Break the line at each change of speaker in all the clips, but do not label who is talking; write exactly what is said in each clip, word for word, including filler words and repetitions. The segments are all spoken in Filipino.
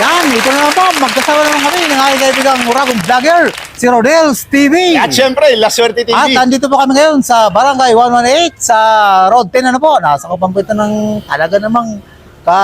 Yan, ito na naman po. Magkasama naman kami ng aking kaibigang Uragong Vlogger, si Rodel's T V.
At syempre, La Suerte T V.
At andito po kami ngayon sa Barangay one one eight sa Road ten, ano po. Nasa kapampitan ng talaga namang ka...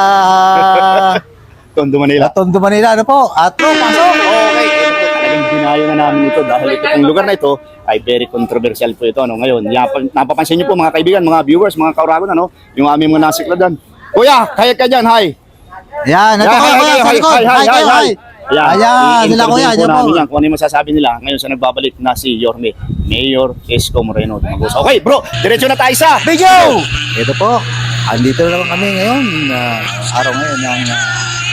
Tondo, Manila.
Tondo, Manila, ano po. At po, pasok.
Okay, ito po talagang dinayo na namin ito dahil ito pong lugar na ito ay very controversial po ito. Ano, ngayon, yapa, napapansin niyo po mga kaibigan, mga viewers, mga kauragon, ano, yung aming mga nasikladan. Kuya, kaya ka dyan, hi.
Yan, ito
Hi,
kayo,
hi,
kuya,
hi,
sa
hi,
likod.
hi,
Hi,
hi,
kayo,
hi.
hi.
Ayan,
Ayan, sila kuya,
i-interview
dyan
po
po.
namin yan kung ano yung masasabi nila ngayon sa nagbabalik na si Yorme, Mayor Isko Moreno Dumagusa. Okay, bro, diretso na tayo sa
Video! Ito po, andito na naman kami ngayon, uh, araw ngayon ng uh,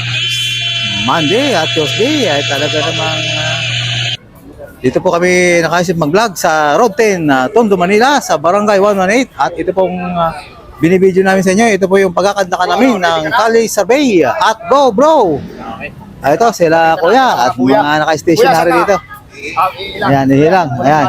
Monday at Tuesday ay talaga namang uh, dito po kami nakaisip mag-vlog sa Road ten, uh, Tondo, Manila sa Barangay one one eight at ito pong uh, binibideo namin sa inyo, ito po yung pagkakantakan namin ng Kali Survey at Go Bro! Ah, ito sila kuya at mga naka-station na rin dito. Ayan, hilang. Ayan.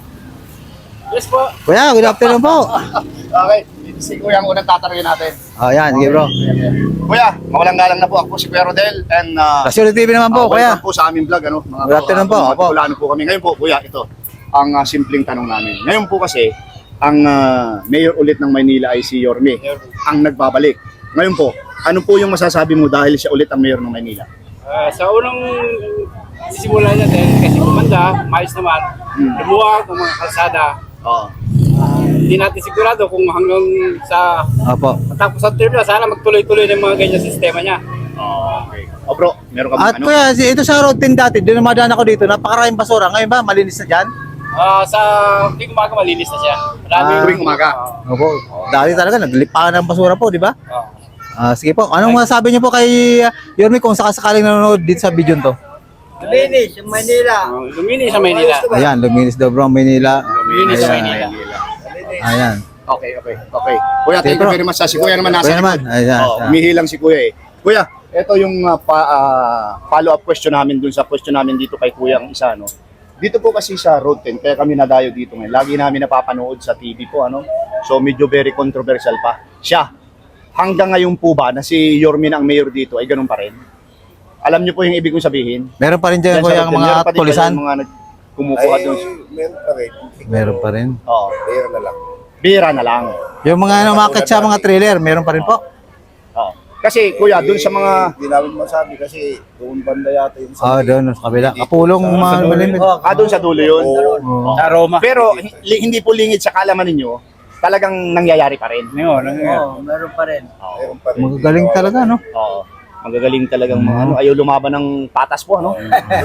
Yes po.
Kuya, good afternoon po.
Okay, si Kuya ang unang tatanungin natin.
Oh, ayan, sige bro.
Kuya, mawalang galang na po ako si Kuya Rodel and uh,
La Suerte T V naman po,
uh,
kuya.
welcome po sa aming vlog, ano? Mga
Good afternoon po,
mga
opo.
Bicolano po kami. Ngayon po, Kuya, ito ang uh, simpleng tanong namin. Ngayon po kasi ang uh, mayor ulit ng Maynila ay si Yorme, ang nagbabalik. Ngayon po, ano po yung masasabi mo dahil siya ulit ang mayor ng Maynila?
Uh, sa unang sisimula niya din, kasi kumanda, mais naman,
Hmm.
lumuwag ng mga kalsada.
Oo.
Uh, Hindi natin sigurado kung hanggang sa
Opo.
matapos ang term na, sana magtuloy-tuloy ng mga ganyan sistema niya.
Okay. O bro, meron ka bang
At
ano?
kuya, si- ito sa Road ten dati, doon namadaan ako dito, napakaraming basura. Ngayon ba, malinis na dyan?
Uh, sa tuwing umaga malinis na siya. Marami
Ah.
Tuwing umaga.
Opo. Dati talaga, naglipakan ng basura po, di ba?
Uh,
Ah, sige po, anong masasabi niyo po kay uh, Yorme kung sakasakaling nanonood dito sa video to?
Luminis, yung Manila.
uh, luminis sa Maynila.
Ayan, luminis daw bro ang Maynila.
Luminis sa
Ayan.
Maynila.
Ayan.
Okay, okay, okay. Kuya, thank
Okay,
you
bro.
very much. Si Kuya naman nasa
Kuya naman,
likod.
ayan.
Oh, umihilang si Kuya eh. Kuya, ito yung uh, pa, uh, follow-up question namin dun sa question namin dito kay Kuya ang isa, no? Dito po kasi sa Road ten, kaya kami nadayo dito ngayon. Lagi namin napapanood sa T V po, ano? So medyo very controversial pa. Siya, hanggang ngayon po ba na si Yorme na ang mayor dito ay ganun pa rin? Alam niyo po yung ibig kong sabihin?
Meron pa rin dyan
Yan sa
kuya
Road
ang
ten,
mga
meron pa din
tulisan?
kayong mga nag- kumukuha
Ay,
doon.
meron pa rin.
Meron pa rin.
Oo,
Pera na lang.
bira na lang.
Yung mga umakit sa mga trailer, meron pa rin po.
Oo. Kasi kuya, doon sa mga
Hindi namin masabi kasi doon banda yata yung
Ah, doon sa kabila. Kapulong mga malimit.
ah, doon sa dulo yun.
Oo.
Sa Roma.
Pero hi- hindi po lingid sa kalaman ninyo, talagang nangyayari pa rin.
Yun, nangyayari.
Oo, meron pa rin.
Meron pa rin.
Magagaling talaga, no?
Oo. Magagaling talagang mga ano, ayaw lumaban ng patas po, ano?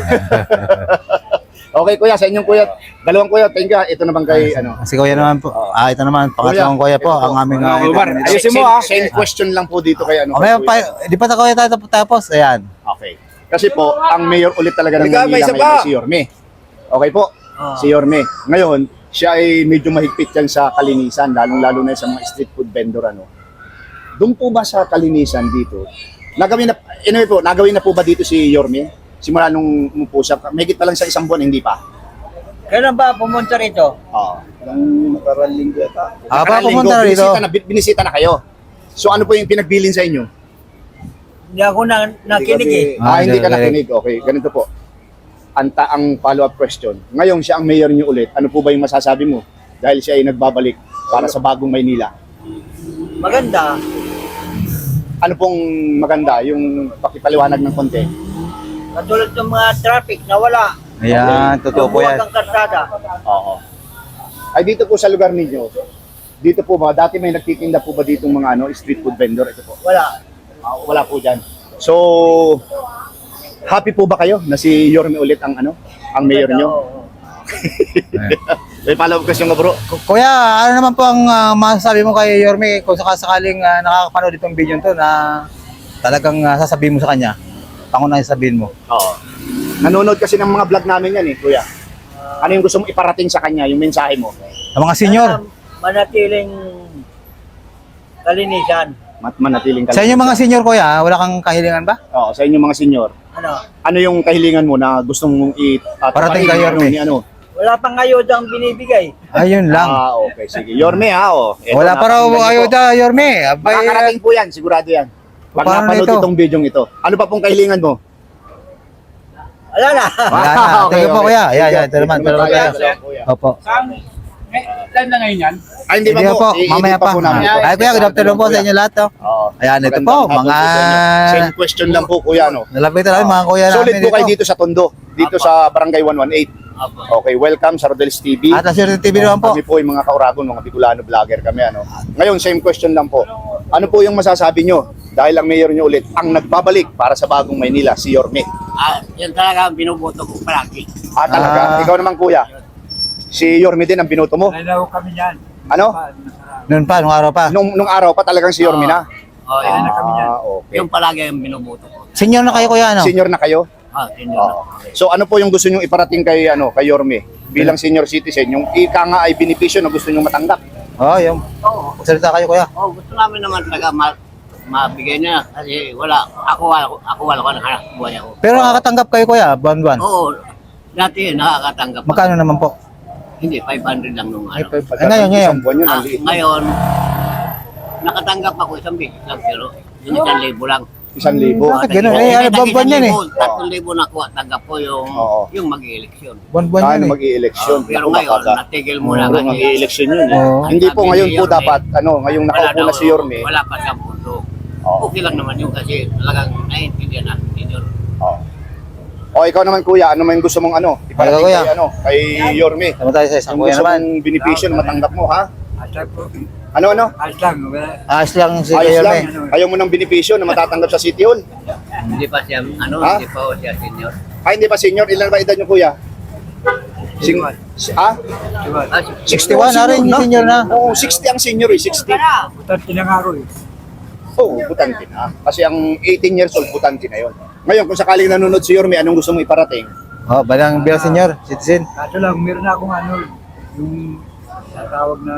Okay, kuya, sa inyong kuya, dalawang kuya, thank you. Ito naman kay, ano.
Si kuya naman po. Ah, ito naman, pangatlong kuya po, ang aming uh,
Umar,
ito.
ayusin mo,
Same-
ah.
Same question lang po dito kay, ano.
O, may
kay kuya.
pa, di pa ta kuya tayo tapos, ayan.
Okay. Kasi po, ang mayor ulit talaga ng
Halika, may
Manila
isa
ngayon
pa.
ay si Yorme. Okay po,
Ah.
si Yorme. Ngayon, siya ay medyo mahigpit yan sa kalinisan, lalong-lalo na sa mga street food vendor, ano. Doon po ba sa kalinisan dito, nagawin na, anyway po, nagawin na po ba dito si Yorme? Simula nung umupo siya, mahigit pa lang sa isang buwan, hindi pa.
Kailan ba pumunta rito?
Oo.
Ilang nakarang linggo yata.
Ah, pa
Nakarang
pumunta na
linggo,
rito.
Binisita na, bi- binisita na kayo. So ano po yung pinagbilin sa inyo?
Hindi ako na, nakinig eh.
Ah,
Ah, hindi ka
hindi,
nakinig. Okay, ganito po. Anta ang follow-up question. Ngayon siya ang mayor niyo ulit. Ano po ba yung masasabi mo? Dahil siya ay nagbabalik para sa bagong Maynila.
Maganda.
Ano pong maganda? Yung pakipaliwanag ng konti.
Katulad ng mga traffic na wala.
Ayan, totoo po yan.
Lumuwag ang kalsada.
Oo. Ay dito po sa lugar ninyo, dito po ba, dati may nagtitinda po ba dito mga ano, street food vendor? Ito po.
Wala.
Ah, wala po dyan. So, happy po ba kayo na si Yorme ulit ang ano, ang mayor
Oo,
nyo?
oo.
May follow-up question nga bro.
Ku- Kuya, ano naman po ang ah, masasabi mo kay Yorme kung sakasakaling uh, nakakapanood itong video to na talagang uh, sasabihin mo sa kanya? Pangunang sabihin mo.
Oo. Nanonood kasi ng mga vlog namin yan eh, kuya. Ano yung gusto mo iparating sa kanya, yung mensahe mo?
Sa mga senior,
Sana manatiling kalinisan.
Mat manatiling
sa inyo mga senior kuya, wala kang kahilingan ba?
Oo, sa inyo mga senior.
Ano?
Ano yung kahilingan mo na gusto mong i uh,
Parating kay Yorme.
Ni ano?
Wala pang ayuda ang binibigay.
Ayun lang.
Ah, okay, sige. Yorme ha, oh. Eto,
Wala pa raw
napakinggan niyo po.
ayuda, Yorme. Abay,
Makakarating po yan, sigurado yan. Pag
Paano
napanood
ito?
itong video ito, ano pa pong kahilingan mo?
Wala na.
Wala na. Thank you po, kuya. Ayan, ayan. Ito naman, ito naman tayo.
Kuya.
Opo.
Saan? Eh, live na ngayon yan?
Ay, hindi pa
Hindi
po.
po,
I-edit
mamaya pa.
namin ito.
Ay, kuya, good afternoon po sa inyo lahat. Oh.
Oo.
Ayan, ito
Magandang
po,
hapon
mga...
po sa inyo. Same question lang po, kuya, no?
Nalapitan namin mga kuya namin
Solid po kayo dito sa Tondo, dito sa Barangay one one eight. Okay, welcome sa Rodel's T V.
At Asir T V naman po.
Kami po yung mga kauragon, mga Bicolano vlogger kami. Ano. Ngayon, same question lang po. Ano po yung masasabi nyo? Dahil ang mayor nyo ulit, ang nagbabalik para sa bagong Maynila, si Yorme.
Ah, yan talaga ang binuboto ko palagi.
Ah, talaga?
Ah.
Ikaw naman, kuya. Si Yorme din ang binoto mo.
Nalaw kami yan.
Ano?
Noon pa, nung araw pa.
Nung, nung araw pa talagang si Yorme na?
Oh,
yan na kami yan.
Ah, okay.
Yung palagi ang binuboto ko.
Senior na kayo kuya, ano?
Senior na kayo?
Ah, yun
Oo. So ano po yung gusto nyo iparating kay, ano, kay Yorme? Bilang senior citizen, yung ika nga ay benepisyo na gusto nyo matanggap.
Oo, oh, yung.
Oo.
Salita kayo kuya.
Oh, gusto namin naman talaga ma mabigay niya kasi wala ako wala ako wala ko ng hanap buhay ako.
Pero nakakatanggap kayo kuya, buwan-buwan.
Oo. Dati nakakatanggap ako.
Magkano naman po?
Hindi five hundred lang nung ano.
Ay, ngayon, ngayon.
Isang buwan yun,
Ah,
ang liit.
ngayon nakatanggap ako isang bisis lang pero yung isang libo lang.
Isang libo.
Bakit ganun? Eh, ano, buwan-buwan yan eh.
Tatlong libo na kuha, tanggap ko yung
Oo.
yung mag-eleksyon.
Buwan-buwan
Ah,
yun
ano
eh.
mag-i-election.
Pero
Naku,
ngayon,
makaga-
natigil mo na
Puro
kasi.
mag-i-election yun eh.
Oo.
Hindi po
Sabi
ngayon
ni
po
Yorme,
dapat, ano, ngayong
wala
nakaupo na
daw,
si Yorme.
Wala pa siyang pundo.
Oo.
Okay lang naman yun kasi talagang naiintindihan natin yun.
Oo. O ikaw naman kuya, ano man gusto mong ano? Iparating
Ikaw, kuya.
kay ano, kay Yorme.
Tama tayo sa isang
Ang
kuya
gusto
naman.
mong benepisyo na matanggap mo, ha?
Aslan po.
Ano ano?
Aslan. Wala.
Ayos lang si
Ayos
Kuya
lang.
Yorme.
Ayaw mo ng benepisyo na matatanggap sa City Hall.
Hindi pa siya, ano,
Ha?
hindi pa ho siya senior.
Ay, hindi pa senior. Ilan ba edad niyo kuya? Sing si- ah?
Ah,
sixty-one na rin, senior na.
Oo, sixty ang senior eh, sixty.
Butat tinangaro eh.
Oo, butante na. Kasi ang eighteen years old, butante na yun. Ngayon, kung sakaling nanonood si Yorme, anong gusto mo iparating?
Oh, balang bilang senior, citizen.
Kaso lang, meron na akong ano, yung natawag na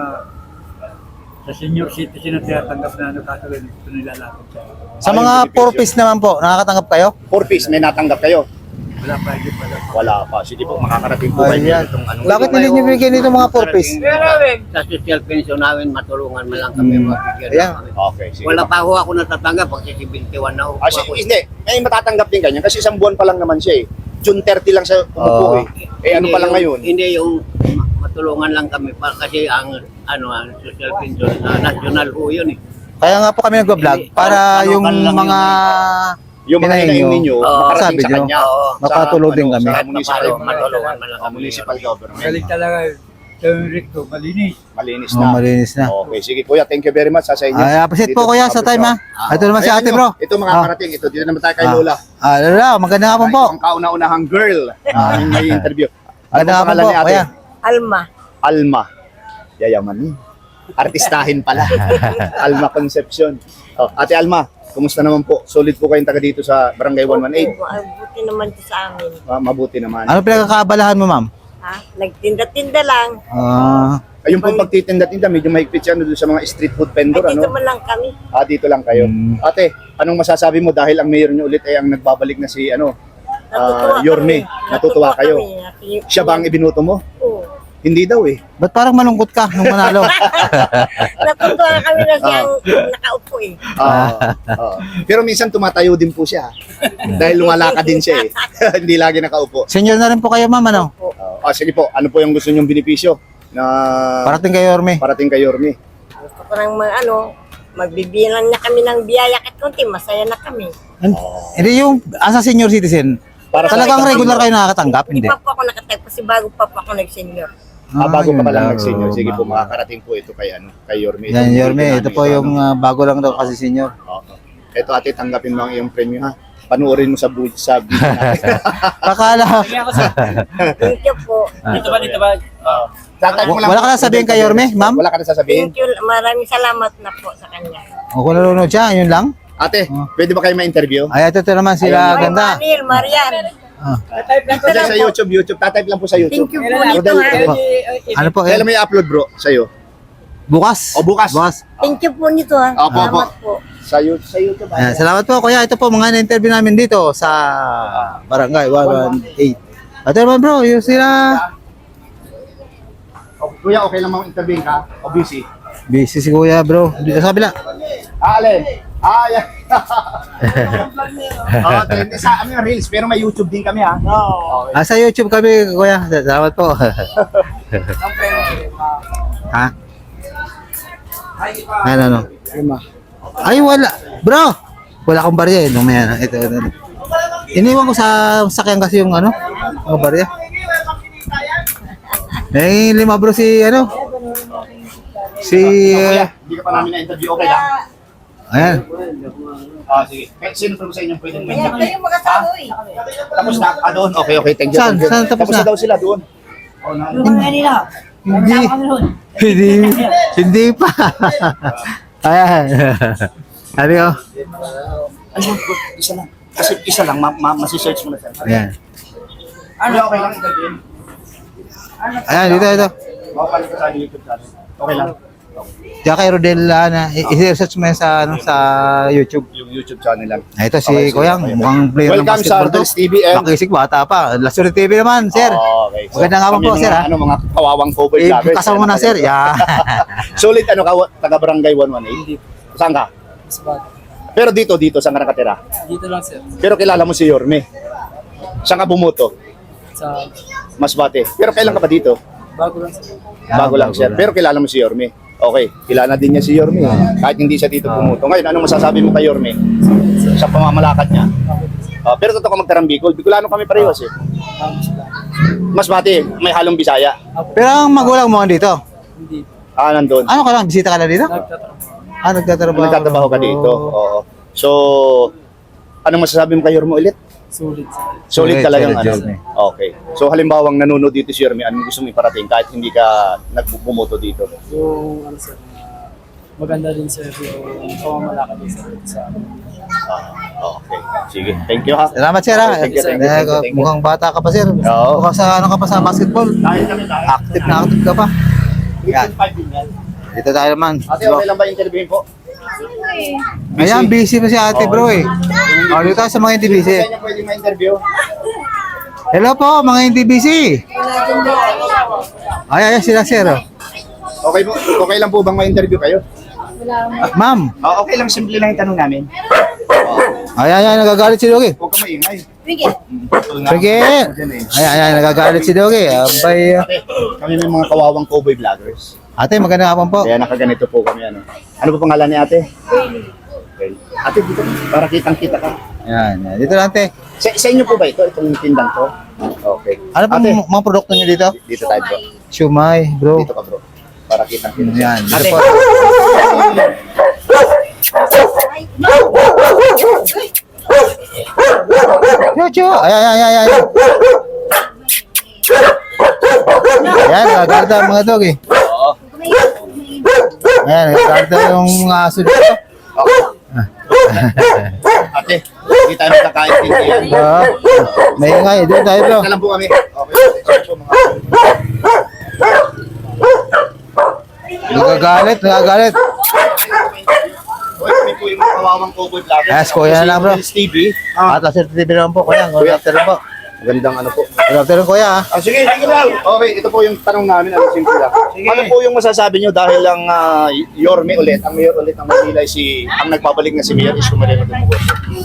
sa senior citizen na tinatanggap na ano, kaso lang ito nilalapit siya.
Sa
Ayun,
mga
benepisyo.
four piece naman po, nakakatanggap kayo?
Four piece, may natanggap kayo?
Wala pa, hindi pa lang.
Wala pa. Sige po, makakarating po kayo
Ayan.
itong ano.
Bakit hindi nyo bigyan dito mga four piece?
Sa social pension namin, matulungan mo lang kami,
Hmm.
mabigyan
Ayan.
na kami.
Okay, sige.
Wala pa ho ako natatanggap pag seventy-one na ho.
Ah, si, hindi, may matatanggap din ganyan kasi isang buwan pa lang naman siya eh. June thirty lang siya umupo
Oo.
eh. Eh ano
Hindi
pa lang
yung-
ngayon?
Hindi yung ma- matulungan lang kami pa kasi ang ano ang social pension uh, national ho yun eh.
Kaya nga po kami nagbablog para
Ano,
yung
ano lang
mga
Yung mga
hinahin
hinahin
nyo,
ninyo,
Oo.
makarating
sabi
sa
nyo,
kanya.
Oo.
Sa,
makatulog din
ano,
kami.
Sa
Kahit
municipal,
papalo, matulungan mo lang
oh,
kami.
municipal government.
Galing talaga sa yung recto, malinis.
Malinis
oh,
na.
malinis na.
Okay, sige kuya, thank you very much ha, sa inyo.
Ay, appreciate
Dito
po kuya sa time ha. Ito naman si
Ayan
ate
nyo,
bro.
Ito mga
Ah.
karating, ito dito naman tayo kay
Ah.
Lola.
Ah, Lola, maganda nga po po.
Ang kauna-unahang girl na may interview. Ano
Maganda
ang
nga po
pangalan
po,
ni ate?
kuya.
Alma.
Alma. Yayaman ni. Artistahin pala. Alma Concepcion. Oh, ate Alma, kumusta naman po? Solid po kayong taga dito sa Barangay one one eight.
Oo, ay, buti naman to sa amin.
Ah, mabuti naman.
Ano pinagkakaabalahan mo ma'am?
Ha? Nagtinda-tinda lang.
Ah,
Ayun po pagtitinda-tinda, medyo mahigpit siya ano, doon sa mga street food vendor.
Ay, dito
Ano?
man lang kami.
Ah, dito lang kayo.
Mm.
Ate, anong masasabi mo dahil ang mayor niyo ulit ay ang nagbabalik na si ano,
Natutuwa
ah, Yorme.
kami.
Natutuwa kayo.
kami. Naki-
Siya ba ang ibinuto mo?
Oo.
Hindi daw eh.
ba't parang malungkot ka nung manalo?
Natutuwa kami na siyang nakaupo eh.
Ah, ah. Pero minsan tumatayo din po siya. Dahil lumalakad din siya eh. Hindi lagi nakaupo.
Senior na rin po kayo ma'am, ano?
Ah, sige po, ano po yung gusto niyong benepisyo na
Parating kayo Yorme.
parating kay Yorme?
Gusto ko nang mga ano, magbibilang na kami ng biyaya at konti, masaya na kami.
Hindi yung asa senior citizen.
Para sa-
Talagang regular kayo nakakatanggap,
Hindi
hindi?
pa po ako nakatag kasi bago pa po ako nag-senior.
Ah, bago
yun
pa pala
lang.
nag-senior. Sige po,
Oo,
makakarating po ito kay ano, kay Yorme.
Yan,
Itong
Yorme,
video
ito
namin,
po
ito,
yung
ano.
ah, bago lang daw kasi senior.
Oo. Ito ate, tanggapin mo ang iyong premyo ha. Panuorin mo sa bu- sa video natin.
Kakala,
Thank you po.
Dito ba, dito ba?
Tatay mo lang
wala
po.
ka na sabihin kay Yorme, ma'am?
Wala ka na sasabihin?
Thank you. Maraming salamat na po sa kanya.
O kung nalunod siya, yun lang.
Ate,
Oh.
pwede ba kayo ma-interview?
Ay, ito, ito naman sila
Ay,
ganda.
Manil, Marian.
Ah.
Kasi sa YouTube, YouTube. Tatype lang po sa YouTube.
Thank you po nito
Rodel,
ha.
Ano po, eh?
Kailan may upload bro? Sa'yo?
Bukas.
O, bukas.
Bukas.
Thank you po nito ha.
Opo, opo.
Salamat po.
Sa, you- sa YouTube.
Ayan, salamat po, kuya. Ito po, mga na-interview namin dito sa Barangay one one eight. Ito naman bro, yung sila...
O, kuya, okay lang mag-intervene ka? O busy?
Busy si kuya bro. Dito sa kabila.
Ah, alin? Ah, yan. Oo, trending sa ano yung reels, pero may YouTube din kami ha. Oo.
Ah, sa YouTube kami, kuya. Salamat po. Ha? Ano, ano? Ay, wala. Bro! Wala akong barya eh. Nung may ano. Ito, ito. ito. Iniwan ko sa sakyan kasi yung ano, mga barya. Eh, lima bro si ano? Si...
Kuya, hindi ka pa namin na-interview, okay lang?
Ayan.
Ah, sige. Eh, sino po sa inyong pwedeng
Kaya
ma-interview?
kayo mag-asawa eh.
Tapos na, ah, doon. Okay, okay, thank you.
Saan?
thank you.
Saan tapos na?
daw sila doon. Oh, na.
Hindi. Hindi. Hindi pa. Ayan. Sabi ko.
Ano, isa lang. Kasi isa lang, ma ma masi-search mo na sir.
Ayan.
Ano, okay lang interview?
Ayan, dito, dito.
Makapalit ka sa YouTube channel. Okay lang.
Diyan kay Rodel, ano, i- i-search mo yan sa, ano, sa YouTube.
Yung YouTube channel lang.
Ah, ito si
Okay, sige,
Kuyang,
okay.
mukhang player ng
Welcome sa
basketball to.
Rodel's T V and...
Makisig, bata pa. Lasuri T V naman, sir.
Oh, okay.
Magandang hapon
kami
po,
mga,
sir, ha?
Ano, mga kawawang cover
Eh,
vloggers.
kasama mo na, sir. Yeah.
Sulit, ano ka, taga Barangay one one eight? Saan ka? Pero dito, dito, saan ka nakatira?
Dito lang sir.
Pero kilala mo si Yorme. Saan ka bumuto?
Sa
Masbate. Pero kailan ka ba dito?
bago lang sir.
Bago lang
bago
siya.
lang.
Pero kilala mo si Yorme. Okay, kilala din niya si Yorme. Kahit hindi siya dito pumuto. Ngayon, ano masasabi mo kay Yorme? Sa pamamalakad niya? Ah, pero totoo ka magtarang Bicol. Bicolano kami parehas eh. Masbate, may halong Bisaya.
Pero ang magulang mo dito.
Hindi.
Ah, nandun.
Ano ka lang? Bisita ka na dito?
Nagtatrabaho.
Ah, nagtatrabaho.
Nagtatrabaho ka dito. Oo. So, ano masasabi mo kay Yorme ulit?
Sulit sir.
Solid
Solid,
talagang
solid,
ano.
Yorme.
Okay. So halimbawang nanonood dito si Yorme, anong gusto mo iparating kahit hindi ka nagbumoto dito?
Yung ano sir, na maganda din sir yung pamamalakad din sir sa
Ah, okay. Sige. Thank you ha.
Salamat, sir, ha?
Thank you, thank you,
Eh,
thank you, thank you.
Mukhang bata ka pa, sir.
Oo.
Mukhang sa, ano ka pa sa basketball.
Dahil kami tayo.
Active na active ka pa. Yan. Dito tayo naman.
Ate, okay lang ba interviewin po?
Ayan, busy pa si ate, bro, eh. O, dito tayo sa mga hindi busy.
Kaya niya pwede ma-interview?
Hello po, mga hindi busy. Ay, ay, sila, sir. oh.
Okay po. Okay lang po bang ma-interview kayo?
Ma'am.
Ah, okay lang, simple lang yung tanong namin.
Ay, ay, ay, nagagalit si Dogi.
Huwag ka maingay.
Sige.
Sige. Ay, ay, ay, nagagalit si Dogi. Abay.
Ate, kami may mga kawawang cowboy vloggers.
Ate, magandang hapon po.
Kaya nakaganito po kami ano. Ano po pangalan ni ate? Okay. Ate, dito para kitang-kita ka.
Yan, yan. Dito lang, ate.
Sa, sa inyo po ba ito? Itong tindang to? Okay.
Ano pong
Ate,
mga produkto niyo dito?
dito tayo bro.
Siumay, bro.
Dito ka bro. Para kitang-kita.
Yan, dito
Ate,
po. Chuchu. Ay, ay, ay, ay, ay. Ayan, nagagalit ang mga dog, eh.
Oo.
Ayan, nagagalit yung mga aso dito.
Ate, hindi tayo magkakaintindihan.
Oo. May ingay, doon tayo, bro.
Ito lang po kami. Okay. So, mga...
Nagagalit, nagagalit.
Uy, kami po yung mga kawawang cowboy vloggers.
Yes, kuya na, bro.
Rodel's T V.
At sa T V naman po, kuya. Good afternoon po.
Magandang ano po.
Good afternoon, kuya. ah.
Ah, sige, sige lang. Okay, ito po yung tanong namin. Ano, simple lang. Ano po yung masasabi nyo dahil lang uh, Yorme ulit, ang mayor ulit ng Manila ay si, ang nagbabalik na si Mayor Isko Moreno Dumugos.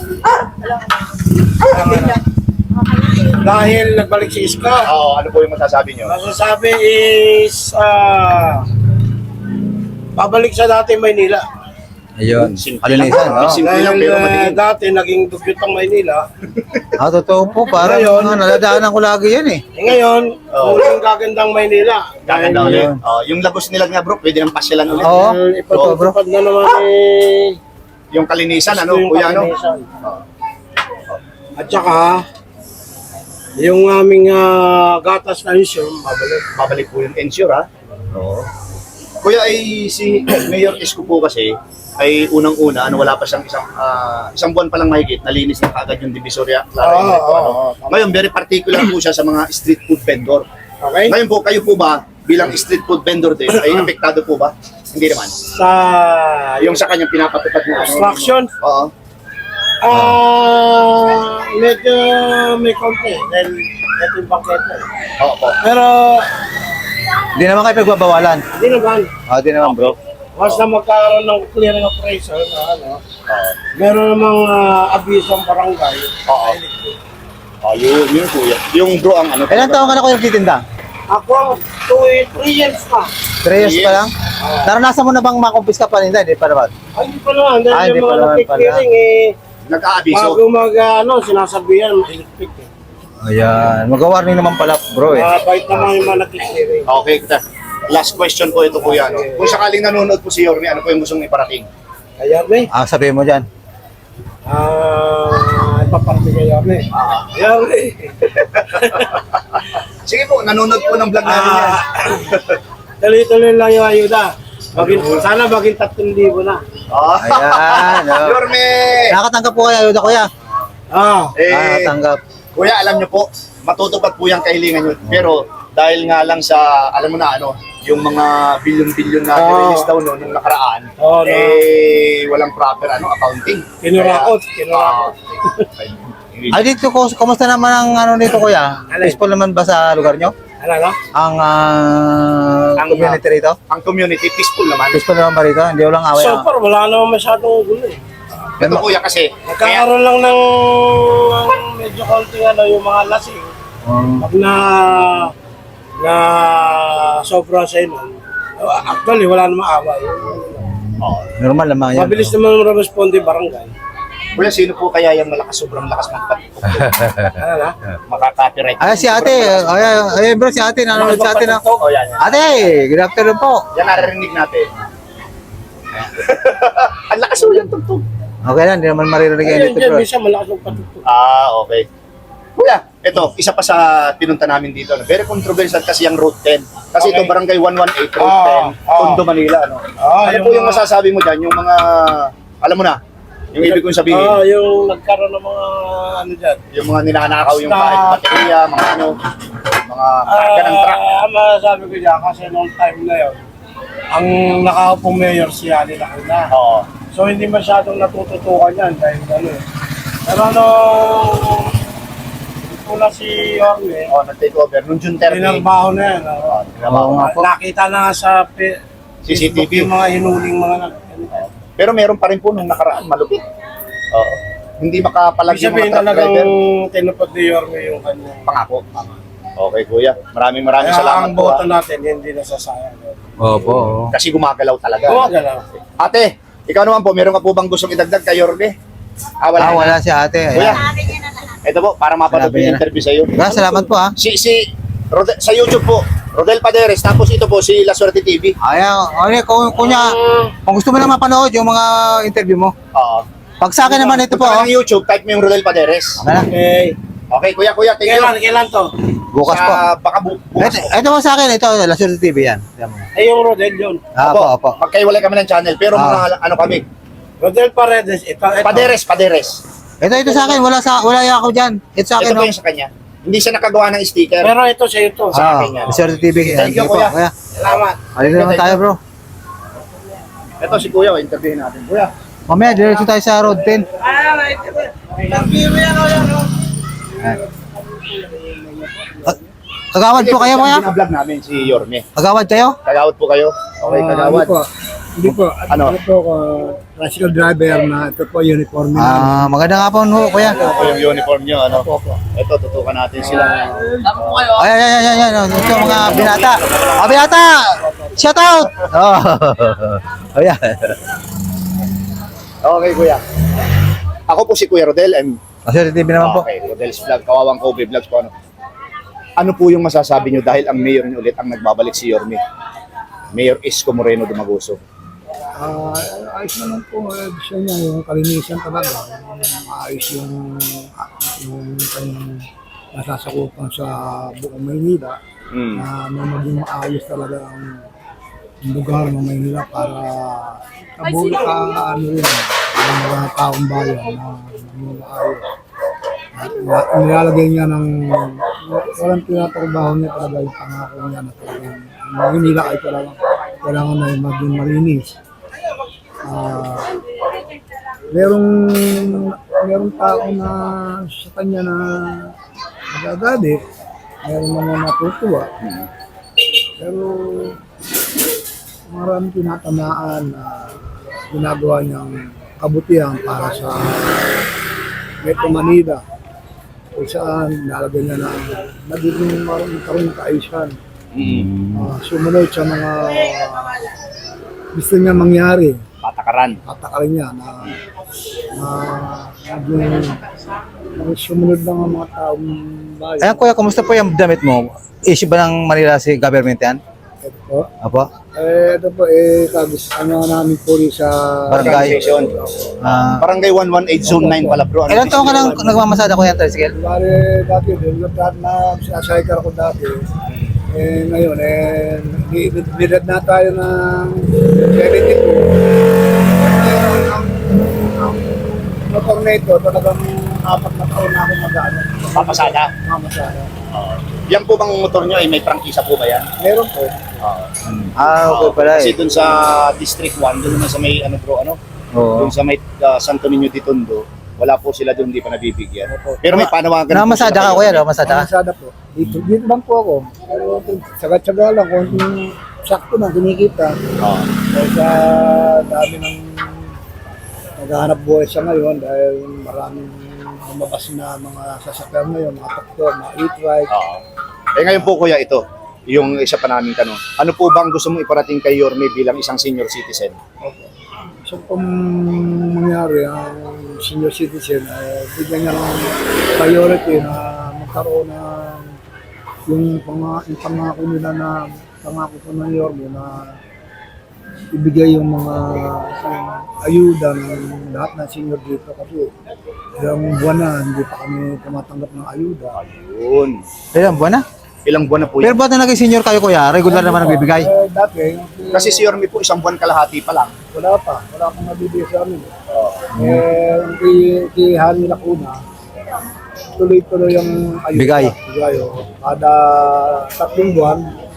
Dahil nagbalik si Isko,
Oo, ano po yung masasabi nyo?
masasabi is ah babalik sa dati Maynila.
Ayun.
Simple lang.
Kalinisan, no?
Simple lang,
Dahil
pero
ah,
madilim.
dati naging dugyot ang Maynila.
Ah, totoo po. Parang
Ngayon,
mga naladaanan ko lagi yan, eh.
Eh ngayon,
Oo.
muling gagandang Maynila.
Gaganda
Ayun.
ulit. Oh, yung Lagos nila nga bro, pwede nang pasyalan ulit.
Oo.
Dahil
Totoo, bro.
ipatutupad na naman eh.
Yung kalinisan, ano,
yung
kuya, ano?
kalinisan. At saka, yung aming ah, gatas na issue, mabalik.
Babalik po yung ensure, ha? Oo. Kuya, ay si Mayor Isko po kasi, ay unang-una, ano, wala pa siyang isang, ah, isang buwan pa lang mahigit, nalinis na kaagad yung Divisoria. Clara
Oo,
Enrico,
oo,
ano.
oo.
Ngayon, very particular po siya sa mga street food vendor.
Okay?
Ngayon po, kayo po ba, bilang street food vendor din, ay apektado po ba? Hindi naman.
Sa
Yung sa kanyang pinapatupad na ano?
construction,
Oo.
ah medyo may konti dahil ito yung bangketa.
Oo po.
Pero,
Hindi naman kayo pagbabawalan.
hindi naman.
Ah, di naman, bro.
basta magkaroon ng clearing appraisal na ano,
Oo.
meron namang uh, abiso ang barangay.
Oo. Oh, yun, yun kuya. Yung bro ang ano.
Ilan taon ka na kuya nagtitinda?
Ako, two, three years na.
Three years pa lang? Naranasan mo na bang makumpis ka pa rin? Hindi pa naman.
Ay, hindi pa naman. Dahil
Ah, hindi
yung
pa
mga
naman
nagki-clearing eh,
Nag-aabiso.
bago mag, uh, ano, sinasabihan, electric eh.
Ayan. Mag-warning naman pala bro eh.
Uh, bait naman yung mga nagki-clearing.
Okay, kita. Last question po ito kuya. No? Kung sakaling nanonood po si Yorme, ano po yung gustong iparating?
Kaya, may,
Ah, sabihin mo dyan.
ah, ipaparte kaya, may. Kaya, may.
Sige po, nanonood po ng vlog namin yan.
Ah, tuloy-tuloy lang yung ayuda. Maging, sana maging tatlong libo na.
Oh.
Ayan. Oh.
Yorme!
Nakatanggap po kayo, ayuda kuya.
Ah,
Eh,
Nakatanggap.
kuya, alam nyo po, matutupad po yung kahilingan nyo. Pero dahil nga lang sa, alam mo na ano, yung mga bilyon-bilyon na
Oo.
nirelease daw no, nung nakaraan,
Oo, no.
eh, walang proper ano accounting.
kinurakot,
Kaya,
kinurakot.
ah,
Ay dito, kus- kumusta naman ang ano nito kuya?
Alin?
Peaceful naman ba sa lugar nyo?
Ano, no?
Ang ah,
Ang,
community rito?
ang community peaceful naman.
Peaceful naman ba rito? Hindi walang away.
So far, wala naman masyadong gulo eh.
Ito kuya kasi, kaya,
Nagkakaroon lang ng medyo konting ano, yung mga lasing.
Um,
Pag na na sobra sa inyo, actually wala namang away.
oh,
normal naman yan.
Mabilis naman responde barangay.
kuya, sino po kaya yung malakas, sobrang lakas magpatugtog?
Ano na?
Makaka-copyright.
Ay, si ate. Ay, ay, bro, si ate. Nanonood si ate na.
Oh, yan, yan.
Ate, good afternoon po.
Yan naririnig natin. Ang lakas mo yung tugtog.
Okay lang, hindi naman maririnig yan
Ayun,
dito,
dyan,
bro.
minsan malakas ng patutog.
Ah, okay. Kuya, ito, isa pa sa pinunta namin dito. No? Very controversial kasi yung Route ten. Kasi
Okay.
ito, Barangay one one eight, Route
Ah,
ten,
ah.
Tondo, Manila. No?
Ah,
ano
yung
po yung
mga-
masasabi mo dyan? Yung mga, alam mo na, yung ibig kong sabihin,
Ah, yung nagkaroon ng mga ano dyan.
yung mga ninanakaw yung
Basta-
kahit baterya, mga ano, mga karga ng truck.
Ah, masasabi ko dyan kasi noong time na yun, ang nakaupong mayor si Ali Lacuna.
Oo.
So hindi masyadong natututukan yan dahil ano eh. Pero ano, una si Yorme,
Oh, nag-take over. Nung June thirty,
tinarbaho na yan. ah.
Oo nga po.
Nakita na nga sa pe-
C C T V.
Facebook yung mga hinuling mga nag...
pero meron pa rin po nung nakaraan, malupit. Oo. Hindi makapalag
Ibig
yung mga
sabihin
truck
talagang
driver.
tinupad ni Yorme yung kanyang...
Pangako. Okay, kuya. Maraming maraming
Kaya
salamat
ang
po.
boto
ah.
natin hindi nasasayang.
Opo.
Kasi gumagalaw talaga.
Kumaga lang.
Ate, ikaw naman po, meron ka po bang gustong idagdag kay Yorme? Ah, wala.
Ah,
na.
wala si ate.
Kuya,
Ayan.
ito po, para mapanood
Sinabi
yung
niya na.
interview sa'yo.
Kuya, salamat po ah.
Si, si, Rodel, sa YouTube po, Rodel Paderes, tapos ito po, si La Suerte T V.
Ayan, okay, kung, kunya, kung gusto mo lang mapanood yung mga interview mo.
Oo.
Pag sa akin naman ito po,
Punta
oh.
ka ng YouTube, type mo yung Rodel Paderes.
Okay na,
Okay.
Okay, kuya, kuya, thank you.
Kailan, kailan to?
bukas po.
Sa, baka bu bukas.
Ito, ito po sa akin, ito, La Suerte T V yan. Ayan mo.
Ay, yung Rodel yun.
Ah, Opo, opo.
Magkaiwalay kami ng channel, pero
Ah.
mga ano kami,
Rodel Paredes, ito, ito.
Paderes, Paderes.
Ito, ito sa akin, wala sa, wala yung ako dyan. Ito sa akin,
Ito po
oh.
yung sa kanya. Hindi siya nakagawa ng sticker.
Pero ito sa ito.
sa
Ah,
akin yan.
La Suerte T V. Ayan,
Thank you,
sige po,
kuya.
kuya.
Salamat.
Halika naman tayo, bro.
Ito si Kuya, oh, interviewin natin. Kuya,
Mamaya, diretso tayo sa Road ten.
Ah, right. Interview mo yan, o yan, o.
Ah, Kagawad po kayo, kuya?
Binablog namin si Yorme.
Kagawad kayo?
Kagawad po kayo? Okay, kagawad.
Hindi po.
Ano?
Ano po, uh, tricycle driver na ito po uniform namin.
Ah, maganda nga po, no, kuya.
Ito po yung uniform nyo, ano? Ito, tutukan natin sila.
Ay, ay, ay, ay, ay, ito mga binata. Mga binata! Shout out! Oh. Ayan.
Okay, Kuya. Ako po si Kuya Rodel. And,
Kasi T V naman po.
okay, Rodel's Vlog, Kawawang Kobe Vlogs po. Ano? ano po yung masasabi nyo dahil ang mayor nyo ulit ang nagbabalik si Yorme? Mayor Isko Moreno Dumaguso.
Ah, ayos naman po. Uh, gusto niya yung kalinisan talaga. Yung ayos yung, ah, yung kanyang nasasakupan sa buong Maynila.
Mm.
Na may maging maayos talaga ang lugar ng Maynila para kabuo ka ano rin, ang mga taong bayan na maging maayos. At na- nilalagay niya ng walang tinatrabaho niya talaga yung pangako niya na talagang ang Maynila ay talaga kailangan na maging malinis. Ah, merong merong tao na sa kanya na nagagalit, meron naman natutuwa. Pero maraming tinatamaan na ginagawa niyang kabutihan para sa Metro Manila. Kung saan nalagyan niya na nagiging magkaroon ng kaayusan. Ah, sumunod sa mga gusto niya mangyari.
Patakaran.
Tatakarin niya na na naging naging sumunod lang ang mga taong bayan.
Ayan kuya, kumusta po yung damit mo? Issue ba ng Manila si government yan?
Ito po.
Apo?
Eh, ito po, eh, kagis, ano namin po rin sa
Barangay.
Organization.
Ah,
Barangay one one eight Zone nine pala bro. Ano
ilan taon ka nang nagmamasada ko yan, tricycle?
Bale, dati, dahil dati na sinasaykar ko dati. Eh, ngayon, eh, ni- ni- nilad na tayo ng seventy-two. Eh, ang, ang motor na ito, talagang apat na taon na ako mag-ano.
Papasada.
Mamasada.
Yan po bang motor nyo ay may prangkisa po ba yan?
Meron po.
Ah, okay pala
Kasi
eh.
dun sa District one, dun naman sa may ano bro, ano?
Oo.
Dun sa may uh, Santo Niño de Tondo, wala po sila dun, hindi pa nabibigyan. Pero may panawagan po
Namamasada
sila
ka
kayo.
kuya, namamasada ka?
Mamasada po. Dito, dito lang po ako. Pero tsaga-tsaga lang kung sakto na kinikita.
Oo.
Dahil sa dami ng naghahanap buhay sa ngayon dahil maraming lumabas na mga sasakyan ngayon, mga doktor, mga e-trike.
Oo. Eh ngayon po kuya, ito, yung isa pa naming tanong. Ano po bang gusto mong iparating kay Yorme bilang isang senior citizen?
So kung mangyari ang senior citizen, eh, bigyan niya ng priority na magkaroon ng yung, pang, yung pangako nila na pangako po ng Yorme na ibigay yung mga yung ayuda ng lahat ng senior dito kasi ilang buwan na hindi pa kami tumatanggap ng ayuda.
Yun.
Ilan buwan na?
Ilang buwan na po
Pero
yan.
ba't na naging senior kayo kuya? Regular naman nagbibigay?
Eh, dati,
Kasi si Yorme po isang buwan kalahati pa lang.
wala pa, wala pang nabibigay sa amin. Eh, kay, kay Hani Lacuna, tuloy-tuloy yung ayuda.
Bigay.
Bigay, oh. Kada tatlong buwan,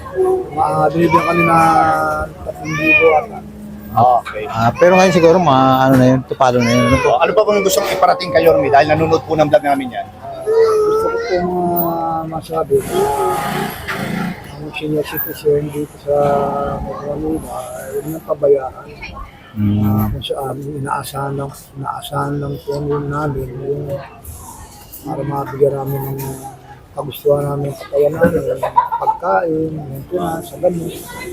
uh, binibigyan kami na tatlong libo at
Okay.
Ah, pero ngayon siguro mga ano na yun, tupalo na yun. Ano po?
So, ano pa bang gusto mong iparating kay Yorme dahil nanonood po ng vlog namin yan?
gusto ko pong uh, masabi na ang senior citizen dito sa Manila ay huwag nang pabayaan. Uh, kung saan inaasahan lang, inaasahan lang po namin yung para mabigyan namin ng kagustuhan namin ng katawan namin, pagkain, maintenance, sa ganun.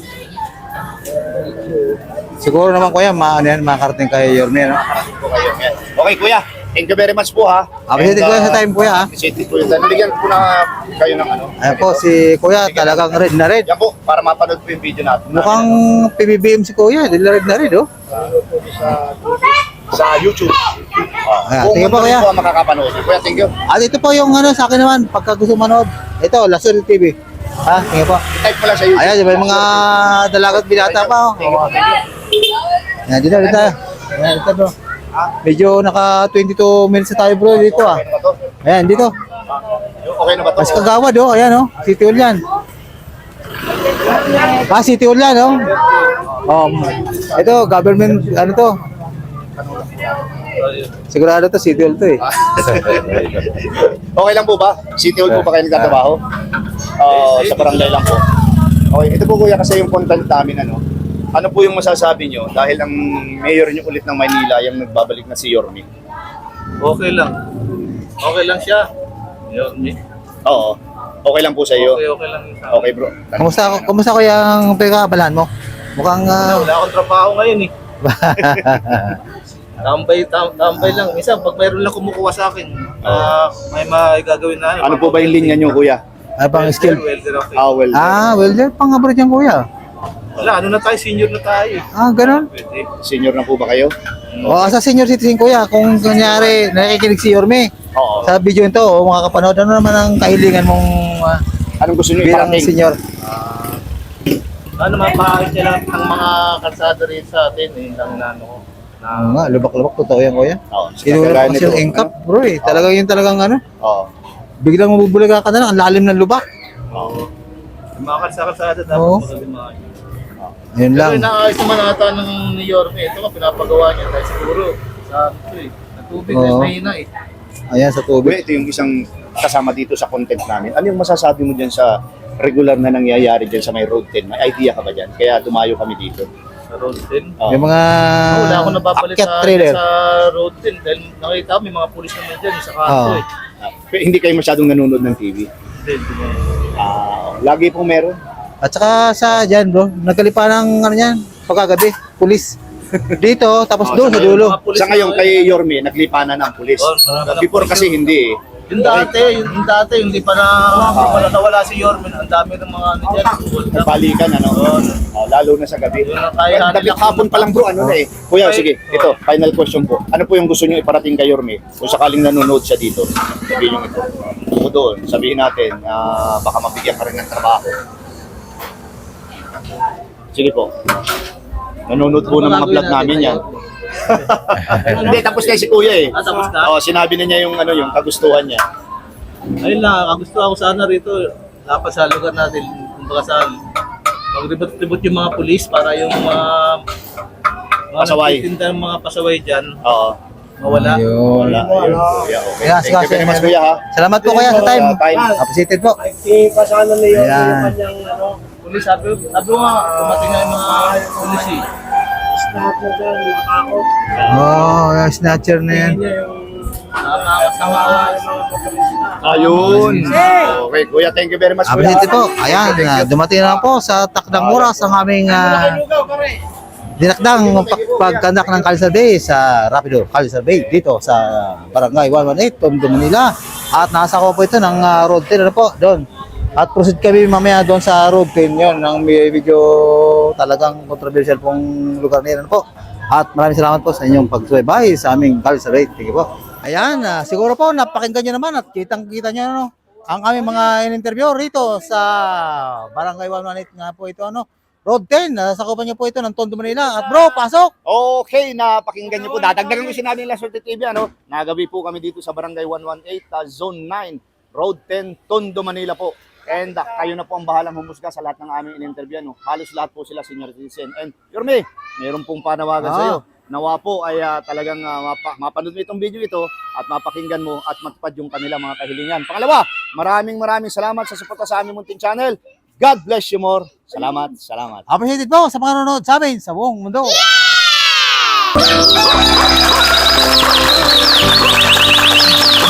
Siguro naman kuya, ma ano yan, makakarating kay Yorme, no?
Parating po kayo. Yan. Okay kuya, thank you very much po ha.
Appreciate
And,
kuya
uh,
sa time kuya ha.
Appreciate po yun. Nabigyan po na kayo ng ano.
Ayan po, si kuya talagang red na red.
Yan po, para mapanood po yung video natin.
Mukhang P B B M si kuya, red na red na red, oh.
Sa YouTube. Uh,
Ayan,
kung
tingnan po,
ano rin
kuya.
po ang makakapanood. Kuya, thank you.
At ito po yung ano sa akin naman, pagka gusto manood. Ito, Lasol T V. Ha, tingnan po.
Type mo lang sa YouTube.
Ayan, may mga dalagat binata pa, oh.
Thank you, thank you.
Ayan, dito, dito. Ayan, dito bro. Medyo naka twenty-two minutes na tayo bro dito ah.
Okay na ba to?
Ayan, dito.
Okay na ba to?
Mas kagawad oh, ayan oh. City Hall yan. Ah, City Hall yan oh. Um, ito, government, ano to? Sigurado to, City Hall to eh.
Okay lang po ba? City Hall po ba kayo nagtatrabaho? Uh, sa barangay lang po. Okay, ito po kuya kasi yung content namin ano. Ano po yung masasabi nyo dahil ang mayor nyo ulit ng Maynila yung nagbabalik na si Yorme?
Okay lang. Okay lang siya. Yun, eh.
Oo. Okay lang po sa iyo.
Okay, okay lang yun sa akin.
Okay bro.
Kumusta, kumusta ko yung pagkakabalan mo? Mukhang ah,
Wala akong trabaho ngayon eh. Tambay, tam, tambay lang. Minsan, pag mayroon lang kumukuha sa akin, ah, may magagawin na.
Ano po ba yung linya nyo kuya?
ano pang skill?
Welder, okay.
Ah, well.
Ah, well, there, pang-abroad yan kuya.
Wala, ano na tayo, senior na tayo eh.
Ah, ganun.
Pwede.
Senior na po ba kayo?
O, sa senior citizen kuya, kung kunyari nakikinig si Yorme,
Oo.
sa video nito, o mga kapanood, ano naman ang kahilingan mong ah,
Anong gusto nyo
bilang
iparating?
senior?
Ano, mapaayos nila ang mga kalsada rin sa atin. Eh, lang na ano ko. Na,
Oo nga, lubak-lubak, totoo yan kuya.
Oo.
Inuro
kagaya
kasi
nito,
yung engkap, bro eh. Talagang yun talagang ano,
ano? Oo.
biglang mabubulaga ka na lang, ang lalim ng lubak.
Oo.
yung mga kalsada dapat
Oo.
magaling maayos.
Yun lang.
Pero inaayos naman ata ng ni Yorme. Ito nga, pinapagawa niya dahil siguro sa ito eh. Natubig
Oo.
na mahina eh.
Ayan sa
Kuya,
tubig.
ito yung isang kasama dito sa content namin. Ano yung masasabi mo dyan sa regular na nangyayari dyan sa may Road ten. May idea ka ba dyan? Kaya dumayo kami dito.
Sa Road ten.
Oh.
May mga
Oh, wala ako nababalit
akyat
sa,
trailer.
sa Road ten dahil nakita ko may mga pulis naman dyan sa kanto
Oo.
eh.
Ah, pero hindi kayo masyadong nanonood ng T V.
Hindi, hindi mo.
Ah, lagi pong meron.
At saka sa dyan bro, nagkalipa ng ano yan, pagkagabi, pulis. Dito, tapos
Oh,
doon
sa
sa dulo.
Mga pulis
Sa ngayon
na-
kay Yorme, naglipanan ng pulis.
Oh, marami ng
Before
pulis
kasi
yun.
hindi eh.
Yung dati, yung, yung dati, hindi pa na wala nawala si Yormen, ang dami ng mga ano dyan. World Cup.
Nagpalikan ano. Oh, lalo na sa gabi.
Yun na tayo,
Well,
natin
Dapat
lang
hapon pa lang bro, ano na eh. Kuya,
Okay.
sige, ito, final question po. Ano po yung gusto niyo iparating kay Yorme? Kung sakaling nanonood siya dito, sabihin niyo ito. O doon, sabihin natin, ah, baka mabigyan ka rin ng trabaho. Sige po. Nanonood po ng mga vlog namin yan. Hindi, tapos na si Kuya eh.
Ah, tapos na?
Oo, sinabi na niya yung ano, yung kagustuhan niya.
Ayun lang, ang gusto ako sana rito, dapat sa lugar natin, kumbaga sa magribot-ribot yung mga pulis para yung mga mga
Pasaway.
nagtitinda ng mga pasaway dyan,
Oo.
mawala.
Ayun.
Wala. Ayun. Kuya, okay.
Kaya,
Thank you very much, Kuya ha.
Salamat po kaya sa time.
Sa time.
Appreciated po.
Hindi pa sana na yun
Ayan.
yung kanyang ano,
Pulis, sabi, sabi ko nga, dumating na yung mga pulis eh.
snap na dyan, nakatakot.
Oh, yung snatcher na yan.
Hindi niya yung
Nakakasama.
yung mga kapalis na.
Ayun. Okay, Kuya, thank you very much, Kuya.
Appreciated po. Ayan, ah, dumating na po sa takdang oras ang aming ah, dinakdang pag pagkandak ng Calisar Bay sa Rapido Calisar Bay dito sa Barangay one one eight, Tondo, Manila. At nasa ko po ito ng ah, Road ten ano po doon. At proceed kami mamaya doon sa Road ten yon ng medyo talagang controversial pong lugar na yan ano po. At maraming salamat po sa inyong pagsubaybay sa aming Calisar Bay. Thank you po. Ayan, ah, siguro po napakinggan nyo naman at kitang-kita nyo ano, ang aming mga in-interview rito sa Barangay one one eight nga po ito ano. Road ten, nasakupan niyo po ito ng Tondo, Manila. At bro, pasok!
Okay, napakinggan niyo po. Dadagdagan ko sinabi nila sa T V, ano? Nagabi po kami dito sa Barangay one one eight, uh, Zone nine, Road ten, Tondo, Manila po. And uh, kayo na po ang bahalang humusga sa lahat ng aming in-interview. No? Halos lahat po sila senior citizen. And Yorme, mayroon pong panawagan
Ah.
sa iyo. Nawa po ay uh, talagang uh, mapa- mapanood mo itong video ito at mapakinggan mo at matupad yung kanila mga kahilingan. Pangalawa, maraming maraming salamat sa suporta sa aming munting channel. God bless you more. Salamat, salamat.
Appreciated po sa mga nanonood sa amin sa buong mundo. Yeah!